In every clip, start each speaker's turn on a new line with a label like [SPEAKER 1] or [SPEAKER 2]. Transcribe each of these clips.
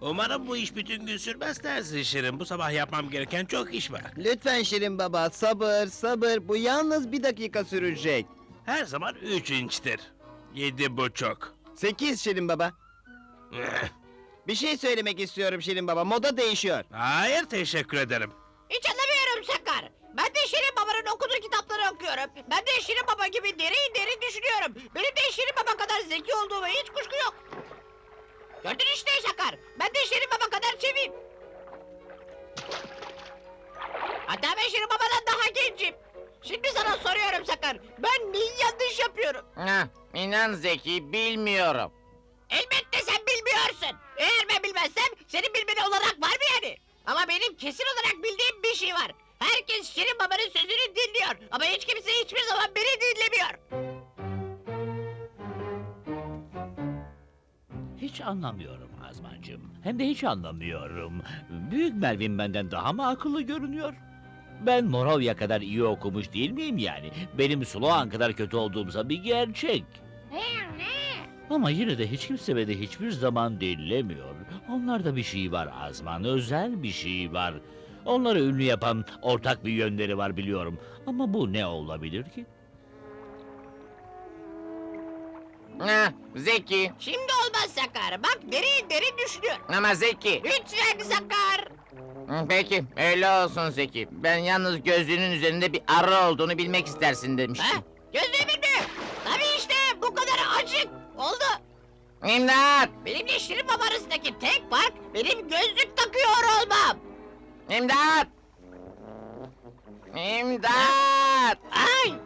[SPEAKER 1] Umarım bu iş bütün gün sürmez dersin Şirin. Bu sabah yapmam gereken çok iş var.
[SPEAKER 2] Lütfen Şirin Baba, sabır, sabır. Bu yalnız 1 dakika sürecek.
[SPEAKER 1] Her zaman 3 inçtir. 7,5.
[SPEAKER 2] 8 Şirin Baba. Bir şey söylemek istiyorum Şirin Baba, moda değişiyor.
[SPEAKER 1] Hayır, teşekkür ederim.
[SPEAKER 3] Hiç anlamıyorum Sakar. Ben de Şirin Baba'nın okuduğu kitapları okuyorum. Ben de Şirin Baba gibi derin derin düşünüyorum. Benim de Şirin Baba kadar zeki olduğuma hiç kuşku yok. Gördün işte Sakar. Ben de Şirin Baba kadar çeviyim. Hatta ben Şirin Baba'dan daha gencim. Şimdi sana soruyorum Sakar. Ben neyi yanlış yapıyorum?
[SPEAKER 4] Hah, inan Zeki, bilmiyorum.
[SPEAKER 3] Elbette sen bilmiyorsun. Eğer ben bilmezsem senin bilmeni olarak var mı yani? Ama benim kesin olarak bildiğim bir şey var. Herkes Şirin Baba'nın sözünü dinliyor. Ama hiç kimse hiçbir zaman beni dinlemiyor.
[SPEAKER 5] Hiç anlamıyorum Azmancığım. Hem de hiç anlamıyorum. Büyük Melvin benden daha mı akıllı görünüyor? Ben Moravya kadar iyi okumuş değil miyim yani? Benim Sloan kadar kötü olduğumsa bir gerçek. Ama yine de hiç kimse beni hiçbir zaman dinlemiyor. Onlarda bir şey var Azman, özel bir şey var. Onları ünlü yapan ortak bir yönleri var biliyorum. Ama bu ne olabilir ki?
[SPEAKER 4] Hah, Zeki,
[SPEAKER 3] Şimdi olmaz Sakar. Bak derin derin düşünüyor.
[SPEAKER 4] ama Zeki.
[SPEAKER 3] Lütfen Sakar.
[SPEAKER 4] Peki, öyle olsun Zeki. Ben yalnız gözlüğünün üzerinde bir arı olduğunu bilmek istersin
[SPEAKER 3] Ha?
[SPEAKER 4] demiştim.
[SPEAKER 3] Gözlüğümün mü? Tabii işte bu kadar açık. Oldu.
[SPEAKER 4] İmdat!
[SPEAKER 3] Benimle Şirin Baba arasındaki tek fark benim gözlük takıyor olmam.
[SPEAKER 4] İmdat! İmdat!
[SPEAKER 3] Ay!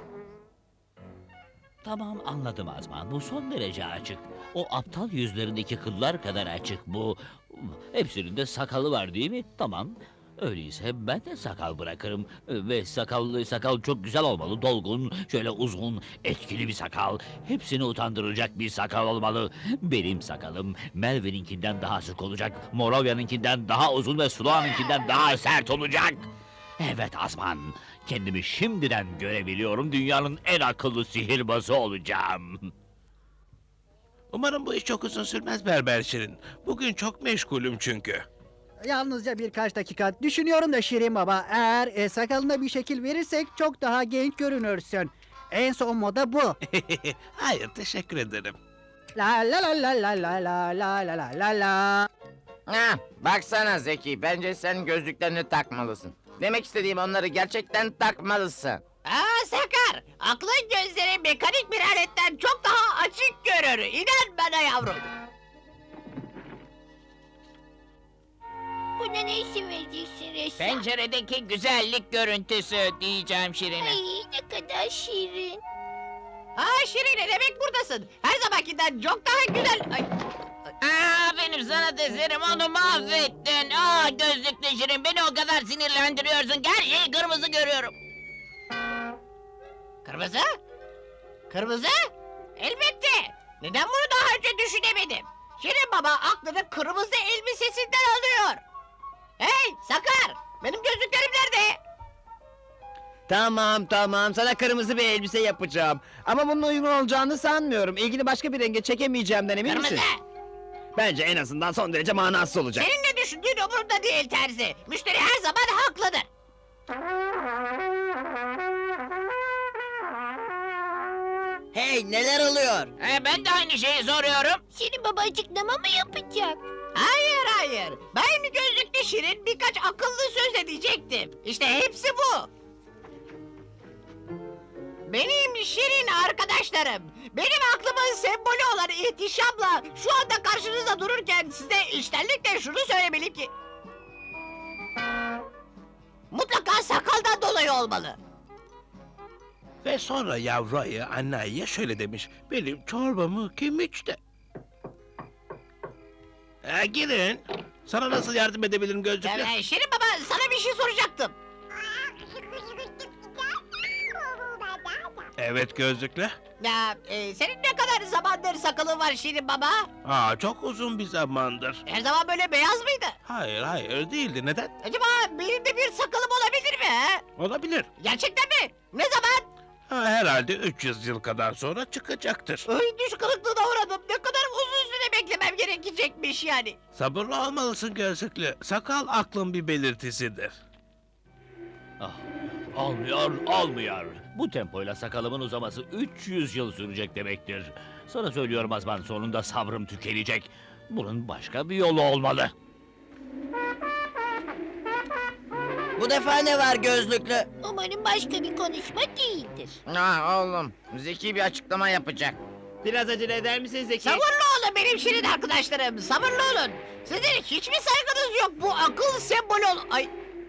[SPEAKER 5] Tamam anladım Azman. Bu son derece açık. O aptal yüzlerindeki kıllar kadar açık bu. Hepsinin de sakalı var değil mi? Tamam. Öyleyse ben de sakal bırakırım. Ve sakal çok güzel olmalı. Dolgun, şöyle uzun, etkili bir sakal. Hepsini utandıracak bir sakal olmalı. Benim sakalım Melvin'inkinden daha sık olacak. Moravya'nınkinden daha uzun ve Sloan'ınkinden daha sert olacak. Evet Azman. Kendimi şimdiden görebiliyorum. Dünyanın en akıllı sihirbazı olacağım.
[SPEAKER 1] Umarım bu iş çok uzun sürmez Berber Şirin. Bugün çok meşgulüm çünkü.
[SPEAKER 6] Yalnızca birkaç dakika düşünüyorum da Şirin Baba. Eğer sakalına bir şekil verirsek çok daha genç görünürsün. En son moda bu.
[SPEAKER 1] Hayır, teşekkür ederim.
[SPEAKER 6] La la la la la la la la la la la la.
[SPEAKER 4] Hah, baksana Zeki, bence sen gözlüklerini takmalısın. Demek istediğim onları gerçekten takmalısın.
[SPEAKER 3] Aa Sakar! Aklın gözleri mekanik bir aletten çok daha açık görür. İnan bana yavrum.
[SPEAKER 7] Buna ne isim vereceksin Ressam?
[SPEAKER 8] Penceredeki güzellik görüntüsü diyeceğim Şirin'e.
[SPEAKER 7] Ay ne kadar şirin.
[SPEAKER 3] Ha Şirin demek buradasın. Her zamankinden çok daha güzel. Ay,
[SPEAKER 8] Benim sana deserim onu mahvettin. Gözlüklü Şirin beni o kadar sinirlendiriyorsun ki her şeyi kırmızı görüyorum.
[SPEAKER 3] kırmızı? Kırmızı? Elbette. Neden bunu daha önce düşünemedim? Şirin Baba aklını kırmızı elbisesinden alıyor. Hey Sakar! Benim gözlüklerim nerede?
[SPEAKER 2] Tamam tamam, sana kırmızı bir elbise yapacağım. Ama bunun uygun olacağını sanmıyorum. İlgini başka bir renge çekemeyeceğimden emin
[SPEAKER 3] Kırmızı.
[SPEAKER 2] misin? Bence en azından son derece manasız olacak.
[SPEAKER 3] Senin ne düşündüğün umurumda değil terzi. Müşteri her zaman haklıdır.
[SPEAKER 2] Hey, neler oluyor?
[SPEAKER 8] Ben de aynı şeyi soruyorum.
[SPEAKER 7] Şirin Baba açıklama mı yapacak?
[SPEAKER 3] Hayır hayır. Ben gözlüklü Şirin birkaç akıllı söz edecektim. İşte hepsi bu. Benim Şirin arkadaşlarım, benim aklımın sembolü olan ihtişamla şu anda karşınızda dururken size içtenlikle şunu söylemeliyim ki... Mutlaka sakaldan dolayı olmalı.
[SPEAKER 1] Ve sonra yavru ayı anne ayıya şöyle demiş. Benim çorbamı kim içti? Girin. Sana nasıl yardım edebilirim gözlüklü?
[SPEAKER 3] Şirin Baba sana bir şey soracaktım.
[SPEAKER 1] Evet gözlüklü.
[SPEAKER 3] Senin ne kadar zamandır sakalın var Şirin Baba?
[SPEAKER 1] Çok uzun bir zamandır.
[SPEAKER 3] Her zaman böyle beyaz mıydı?
[SPEAKER 1] Hayır değildi. Neden?
[SPEAKER 3] Acaba benim de bir sakalım olabilir mi? He?
[SPEAKER 1] Olabilir.
[SPEAKER 3] Gerçekten mi? Ne zaman?
[SPEAKER 1] Herhalde 300 yıl kadar sonra çıkacaktır.
[SPEAKER 3] Ay düş kırıklığına uğradım. Ne kadar uzun süre beklemem gerekecekmiş yani.
[SPEAKER 1] Sabırlı olmalısın gözlüklü. Sakal aklın bir belirtisidir.
[SPEAKER 5] Ah, olmuyor. Bu tempoyla sakalımın uzaması 300 yıl sürecek demektir. Sana söylüyorum Azman, sonunda sabrım tükenecek. Bunun başka bir yolu olmalı.
[SPEAKER 2] Bu defa ne var gözlüklü?
[SPEAKER 7] Umarım başka bir konuşma değildir.
[SPEAKER 4] Ah oğlum, Zeki bir açıklama yapacak.
[SPEAKER 2] Biraz acele eder misin Zeki?
[SPEAKER 3] Sabırlı olun benim şirin arkadaşlarım. Sabırlı olun. Sizin hiçbir saygınız yok. Bu akıl sembolü ol... Ay.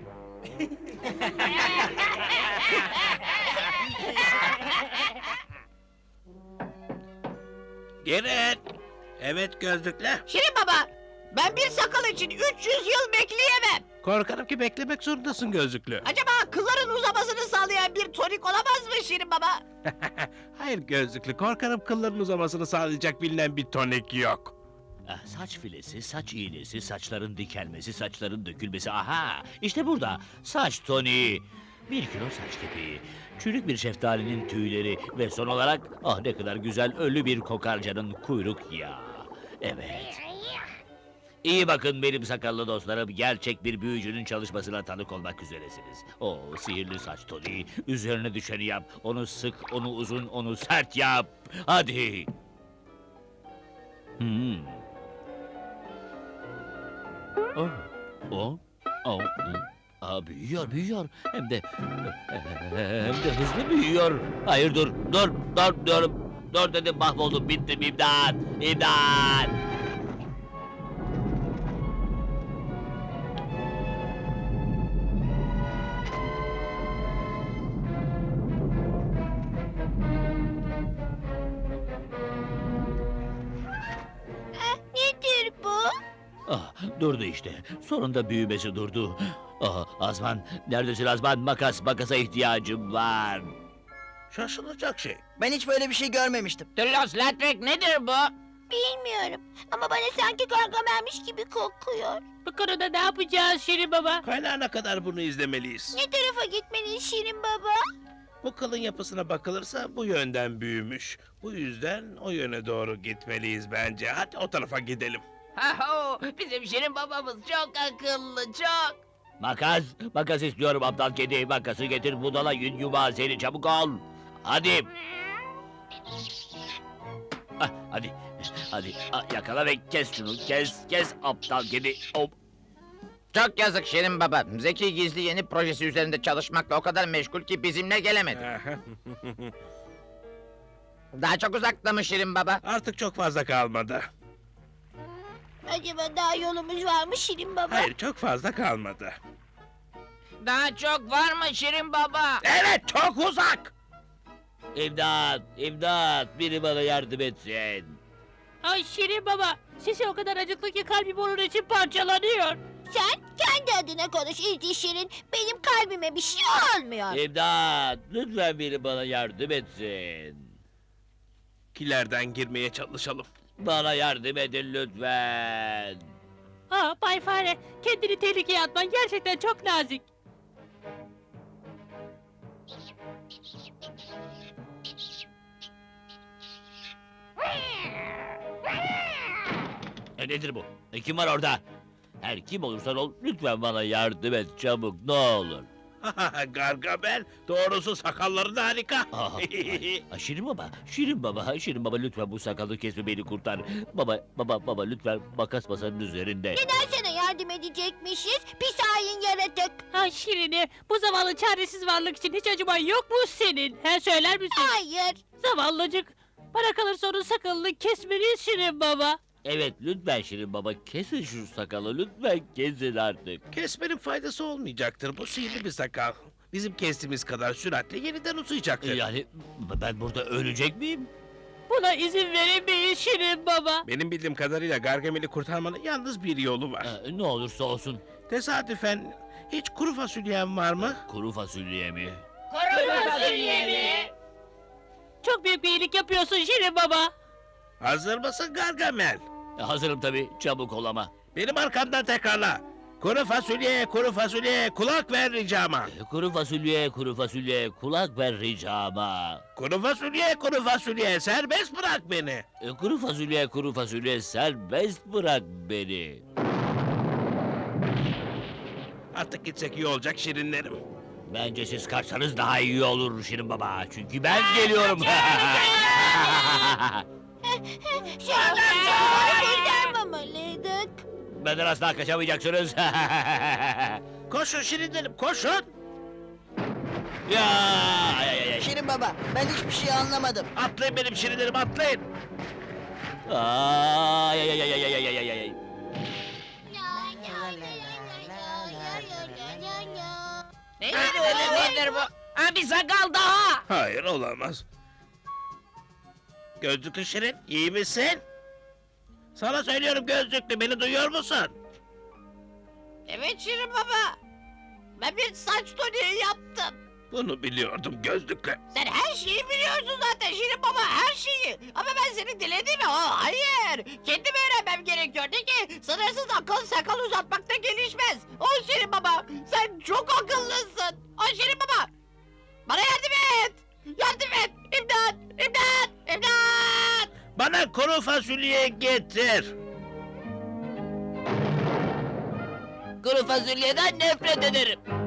[SPEAKER 1] Girin. Evet gözlüklü.
[SPEAKER 3] Şirin baba. Ben bir sakal için 300 yıl bekleyemem.
[SPEAKER 1] Korkarım ki beklemek zorundasın gözlüklü.
[SPEAKER 3] Acaba kılların uzamasını sağlayan bir tonik olamaz mı Şirin baba?
[SPEAKER 1] Hayır gözlüklü, korkarım kılların uzamasını sağlayacak bilinen bir tonik yok.
[SPEAKER 5] Ah, saç filesi, saç iğnesi, saçların dikelmesi, saçların dökülmesi. Aha, işte burada. Saç toniği. 1 kilo saç kepeği, çürük bir şeftalinin tüyleri ve son olarak ah ne kadar güzel ölü bir kokarcanın kuyruk yağı. Evet. İyi bakın benim sakallı dostlarım, gerçek bir büyücünün çalışmasına tanık olmak üzeresiniz. O sihirli saç toniği, üzerine düşeni yap. Onu sık, onu uzun, onu sert yap. Hadi. Oh, oh, oh. Aa, büyüyor. Hem de hızlı büyüyor. Hayır dur dedim, mahvoldum, bittim, imdat.
[SPEAKER 7] Nedir bu?
[SPEAKER 5] Ah, durdu işte. Sonunda büyümesi durdu. Ah, Azman, neredesin Azman? Makasa ihtiyacım var.
[SPEAKER 1] Şaşılacak şey.
[SPEAKER 2] Ben hiç böyle bir şey görmemiştim.
[SPEAKER 8] Tüllos Latrek nedir bu?
[SPEAKER 7] Bilmiyorum. Ama bana sanki Gargamel'miş gibi kokuyor.
[SPEAKER 8] Bu konuda ne yapacağız Şirin baba?
[SPEAKER 1] Kaynağına kadar bunu izlemeliyiz.
[SPEAKER 7] Ne tarafa gitmeliyiz Şirin baba?
[SPEAKER 1] Bu kılın yapısına bakılırsa bu yönden büyümüş. Bu yüzden o yöne doğru gitmeliyiz bence. Hadi o tarafa gidelim.
[SPEAKER 8] Haho, bizim Şirin babamız çok akıllı, çok.
[SPEAKER 5] Makas istiyorum aptal kedi. Makası getir, budala yün yumağı seni, çabuk ol. Hadi. Ah, hadi, yakala ve kes şunu, kes aptal kedi. Hop.
[SPEAKER 4] Çok yazık Şirin Baba. Zeki gizli yeni projesi üzerinde çalışmakla o kadar meşgul ki bizimle gelemedi. Daha çok uzakta mı Şirin Baba?
[SPEAKER 1] Artık çok fazla kalmadı.
[SPEAKER 7] Acaba daha yolumuz var mı Şirin baba?
[SPEAKER 1] Hayır, çok fazla kalmadı.
[SPEAKER 8] Daha çok var mı Şirin baba?
[SPEAKER 1] Evet, çok uzak.
[SPEAKER 5] İmdat, biri bana yardım etsin.
[SPEAKER 8] Ay Şirin baba, sesi o kadar acıklı ki kalbim onun için parçalanıyor.
[SPEAKER 7] Sen kendi adına konuş İlti Şirin. Benim kalbime bir şey olmuyor.
[SPEAKER 5] İmdat, lütfen biri bana yardım etsin.
[SPEAKER 1] Kilerden girmeye çalışalım.
[SPEAKER 5] Bana yardım edin lütfen.
[SPEAKER 8] Ha Bay Fare, kendini tehlikeye atman gerçekten çok nazik.
[SPEAKER 5] Nedir bu? Kim var orada? Her kim olursan ol, lütfen bana yardım et çabuk, ne olur.
[SPEAKER 1] Gargamel, doğrusu sakalları da harika.
[SPEAKER 5] Şirin baba lütfen bu sakalı kesme, beni kurtar. Baba lütfen, makas masanın üzerinde.
[SPEAKER 7] Neden sana yardım edecekmişiz? Pis hain yaratık.
[SPEAKER 8] Ha Şirin'i, bu zavallı çaresiz varlık için hiç acıman yok mu senin? He söyler misin?
[SPEAKER 7] Hayır.
[SPEAKER 8] Zavallıcık. Bana kalırsa onun sakalını kesmeliyiz Şirin baba.
[SPEAKER 5] Evet, lütfen Şirin baba, kesin şu sakalı, lütfen kesin artık.
[SPEAKER 1] Kesmenin faydası olmayacaktır. Bu sihirli bir sakal. Bizim kestiğimiz kadar süratle yeniden uzayacaktır.
[SPEAKER 5] Yani ben burada ölecek miyim?
[SPEAKER 8] Buna izin veremeyiz Şirin baba.
[SPEAKER 1] Benim bildiğim kadarıyla Gargamel'i kurtarmanın yalnız bir yolu var.
[SPEAKER 5] Ne olursa olsun.
[SPEAKER 1] Tesadüfen hiç kuru fasulyen var mı?
[SPEAKER 5] Kuru fasulye mi?
[SPEAKER 8] Kuru fasulye mi? Çok büyük bir iyilik yapıyorsun Şirin baba.
[SPEAKER 1] Hazır mısın Gargamel?
[SPEAKER 5] Hazırım tabii, çabuk ol ama.
[SPEAKER 1] Benim arkamdan tekrarla. Kuru fasulye, kulak ver ricama.
[SPEAKER 5] Kuru fasulye, kulak ver ricama.
[SPEAKER 1] Kuru fasulye, serbest bırak beni.
[SPEAKER 5] Kuru fasulye, serbest bırak beni.
[SPEAKER 1] Artık gitsek iyi olacak şirinlerim.
[SPEAKER 5] Bence siz kaçsanız daha iyi olur Şirin Baba. Çünkü ben geliyorum.
[SPEAKER 7] Şirin amca kurtarmamalıydık.
[SPEAKER 5] Benden asla kaçamayacaksınız.
[SPEAKER 1] Koşun şirinlerim, koşun.
[SPEAKER 5] Ya, ay, ay, ay.
[SPEAKER 2] Şirin baba, ben hiçbir şey anlamadım.
[SPEAKER 1] Atlayın benim şirinlerim, atlayın.
[SPEAKER 5] Ay, ay, ay, ay, ay, ay, ay, ay, ay.
[SPEAKER 8] Neydi öyle nedir bu? Ha bir sakal daha.
[SPEAKER 1] Hayır, olamaz. Gözlüklü şirin, iyi misin? Sana söylüyorum gözlüklü, beni duyuyor musun?
[SPEAKER 3] Evet Şirin baba. Ben bir saç toniği yaptım.
[SPEAKER 1] Bunu biliyordum gözlüklü.
[SPEAKER 3] Sen her şeyi biliyorsun zaten Şirin baba, her şeyi. Ama ben seni dilediğimi, hayır. Kendim öğrenmem gerekiyordu ki sınırsız akıl sakal uzatmakta gelişmez. O Şirin baba, sen çok akıllısın. O Şirin baba, bana yardım et. Yardım et, imdat, imdat, imdat.
[SPEAKER 1] Bana kuru fasulye getir.
[SPEAKER 8] Kuru fasulyeden nefret ederim.